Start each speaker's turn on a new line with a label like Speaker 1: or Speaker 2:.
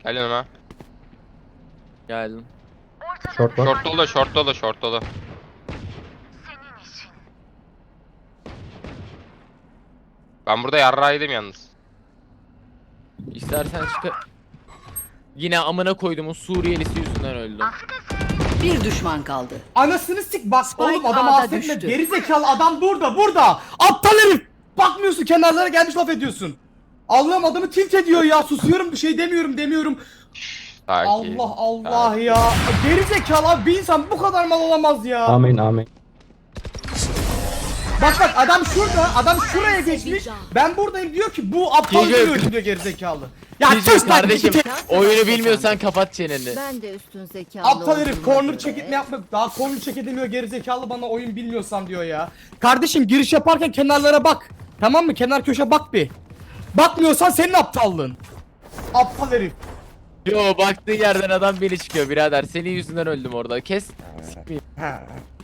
Speaker 1: Gel yanıma.
Speaker 2: Geldim.
Speaker 3: Short var.
Speaker 1: Short dolu, short dolu, short dolu. Ben burada yarrağıydım yalnız.
Speaker 2: İstersen çık. Yine amına koyduğumun Suriyelisi yüzünden öldüm.
Speaker 4: Bir düşman kaldı.
Speaker 5: Anasını sik bak
Speaker 4: Spike
Speaker 5: oğlum adam
Speaker 4: A'da
Speaker 5: affetme.
Speaker 4: düştü.
Speaker 5: Gerizekalı adam burada. Aptal herif. Bakmıyorsun kenarlara gelmiş laf ediyorsun. Allah'ım adamı tilt ediyor ya. Susuyorum bir şey demiyorum.
Speaker 1: Sakin.
Speaker 5: Allah Allah ya. Gerizekalı abi bir insan bu kadar mal olamaz ya.
Speaker 3: Amin amin.
Speaker 5: Bak adam şurada. Adam şuraya geçmiş. Ben buradayım diyor ki bu aptal
Speaker 2: Geliyor.
Speaker 5: diyor gerizekalı. Ya
Speaker 2: Diyeceğim
Speaker 5: sus lan
Speaker 2: kardeşim.
Speaker 5: git.
Speaker 2: Oyunu bilmiyorsan kapat çeneni.
Speaker 6: Ben de üstün zekalı
Speaker 5: Aptal herif
Speaker 6: olduğuma
Speaker 5: corner
Speaker 6: göre-
Speaker 5: çekitme yapma. Daha corner çek edemiyor gerizekalı bana oyun bilmiyorsan diyor ya. Kardeşim giriş yaparken kenarlara bak. Tamam mı? Kenar köşe bak bir. Bakmıyorsan senin aptallığın. Aptal herif.
Speaker 2: Yo baktığın yerden adam beni çıkıyor birader. Senin yüzünden öldüm orada. Kes. Sikmeyeyim.
Speaker 5: Ha.